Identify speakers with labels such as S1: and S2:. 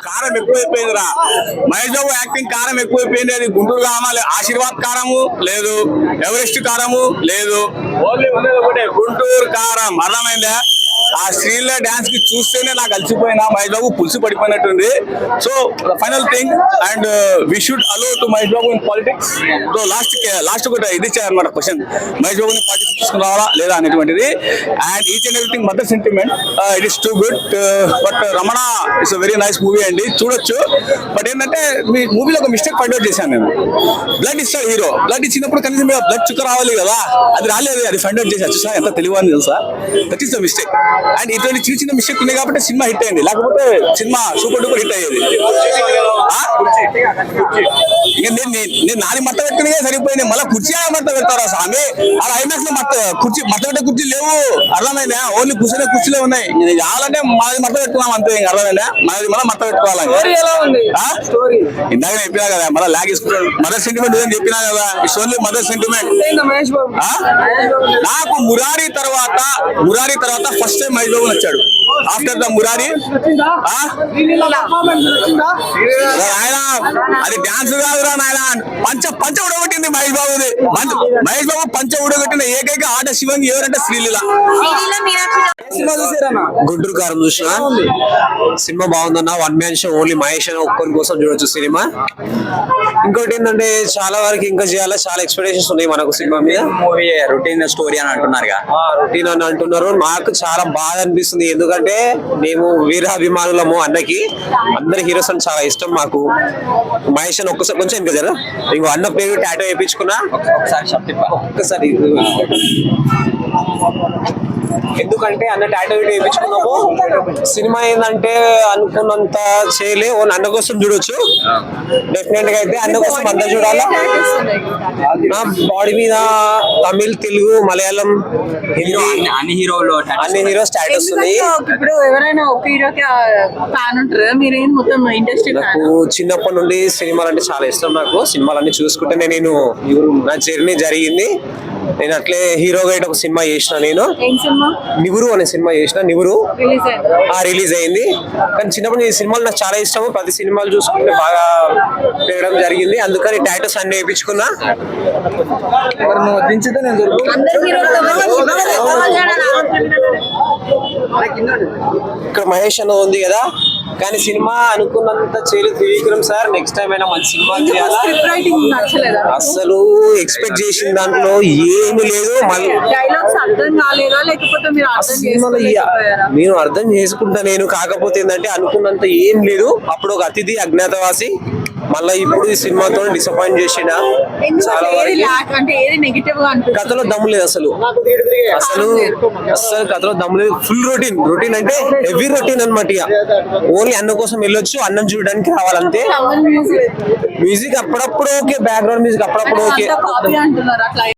S1: కారం ఎక్కువైపోయిందిరా. మహేష్ బాబు యాక్టింగ్ కారం ఎక్కువైపోయింది. అది గుంటూరు కావాలి, ఆశీర్వాద్ కారము లేదు, ఎవరెస్ట్ కారము లేదు, ఓన్లీ ఉండేది ఒకటే గుంటూరు కారం. అర్థమైందా? ఆ శ్రీల డాన్స్ కి చూస్తేనే నాకు అలసిపోయినా. మహేష్ బాబు పులుసు పడిపోయినట్టుంది. So final thing and we should allow to Mahesh Babu in politics. So last ఒకటి ఇది ఇచ్చారనమాట క్వశ్చన్, మహేష్ బాబుని పాలిటిక్స్ తీసుకుని రావాలా లేదా అనేటువంటిది. And each and everything mother sentiment it is too good. But Ramana it's very nice movie అండి, చూడొచ్చు. బట్ ఏంటంటే మీ మూవీలో ఒక మిస్టేక్ ఫైండ్ అవుట్ చేశాను నేను. బ్లడ్ ఇస్తాడు హీరో, బ్లడ్ ఇచ్చినప్పుడు కనీసం బ్లడ్ చుక్క రావాలి కదా, అది రాలేదు. అది ఫైండ్ అవుట్ చేశాను. చూసా ఎంత తెలివి అని తెలుసా? That is the mistake. And ఇటువంటి చిన్న చిన్న మిస్టేక్ ఉన్నాయి కాబట్టి సినిమా హిట్ అయింది, లేకపోతే సినిమా సూపర్ డూపర్ హిట్ అయ్యేది. నేను నాది మట్ట పెట్టుకునే సరిపోయింది, మళ్ళీ కుర్చీ మట్ట పెడతారా స్వామి? అలా ఐమాక్స్ లో కుర్చీ మట్ట పెట్టే కుర్చీ లేవు. అర్థమైందా? ఓన్లీ కూర్చునే కుర్చీలే ఉన్నాయి. కావాలంటే మాది మట్ట పెట్టుకున్నాం అంతే. అర్థమైందా? మనది మళ్ళీ మట్ట పెట్టుకోవాలి. ఇందాక చెప్పినా కదా, మళ్ళీ లాగ్ తీసుకుంటాడు. మదర్ సెంటిమెంట్ అని చెప్పినా కదా, ఇట్స్ ఓన్లీ మదర్ సెంటిమెంట్. నాకు మురారి తర్వాత ఫస్ట్ టైం మహేష్ బాబు నచ్చాడు. ఆఫ్టర్ ద మురారి ఆయన అది డాన్స్ కాదురా నాయన, పంచ ఉడగొట్టింది మహేష్ బాబుది. మహేష్ బాబు పంచ ఉడగొట్టిన ఏకైక ఆట శివంగి ఎవరంటే శ్రీలీల.
S2: గుంటూరు కారం చూసిన సినిమా బాగుందన్న. One man show, only Mahesh అని ఒక్కరి కోసం చూడొచ్చు సినిమా. ఇంకోటి ఏంటంటే చాలా వరకు ఇంకా చేయాలి, చాలా ఎక్స్పెక్టేషన్స్ ఉన్నాయి మనకు సినిమా మీద.
S1: మూవీ రొటీన్ స్టోరీ అని అంటున్నారు,
S2: రొటీన్ అని అంటున్నారు. నాకు చాలా బాధ అనిపిస్తుంది, ఎందుకంటే మేము వీరాభిమానులము. అన్నకి అందరి హీరోస్ అని చాలా ఇష్టం మాకు. మహేష్ అని ఒక్కసారి కొంచెం ఇంకా జరా ఇంకో అన్న పేరు టాటో వేయించుకున్నా ఒక్కసారి. ఎందుకంటే అన్న టాటో వేయించుకున్నాము. సినిమా ఏంటంటే అనుకున్నంత చేయలే, అన్న కోసం చూడొచ్చు. డెఫినెట్ గా అయితే అన్న కోసం అంతా చూడాలా. నా బాడీ మీద తమిళ్, తెలుగు, మలయాళం, హిందీ అన్ని హీరో స్టాటస్ ఉంది.
S3: ఇప్పుడు ఎవరైనా ఒక హీరోకి ఫ్యాన్ ఉంటారు, మీరేం మొత్తం ఇండస్ట్రీ?
S2: నాకు చిన్నప్పటి నుండి సినిమాలు అంటే చాలా ఇష్టం. నాకు సినిమాలన్నీ చూసుకుంటేనే నేను నా జర్నీ జరిగింది. నేను అట్లే హీరోగా ఒక సినిమా చేసిన. నేను నివురు అనే సినిమా చేసిన. నివురు రిలీజ్ అయింది. కానీ చిన్నప్పుడు ఈ సినిమాలు నాకు చాలా ఇష్టము. ప్రతి సినిమాలు చూసుకుంటే బాగా పెరగడం జరిగింది. అందుకని టాటూస్ అన్ని వేయించుకున్నా. ఇక్కడ మహేష్ అన్న ఉంది కదా, కానీ సినిమా అనుకున్నంత చేయలేదు త్రివిక్రమ్ సార్. నెక్స్ట్ టైం అయినా మంచి సినిమా చేయాలా. అసలు ఎక్స్పెక్ట్ చేసిన దాంట్లో ఏమి లేదు. నేను అర్థం చేసుకుంటా నేను, కాకపోతే ఏంటంటే అనుకున్నంత ఏం లేదు. అప్పుడు ఒక అతిథి, అజ్ఞాతవాసి, మళ్ళీ ఇప్పుడు ఈ సినిమాతో డిసప్పాయింట్ చేసిన. చాలా కథలో దమ్ము లేదు అసలు కథలో దమ్ము లేదు. ఫుల్ రొటీన్ అంటే హెవీ రొటీన్ అనమాట. ఓన్లీ అన్న కోసం వెళ్ళొచ్చు, అన్నం చూడడానికి రావాలంతే. మ్యూజిక్ అప్పుడప్పుడు ఓకే, బ్యాక్గ్రౌండ్ మ్యూజిక్ అప్పుడప్పుడు ఓకే.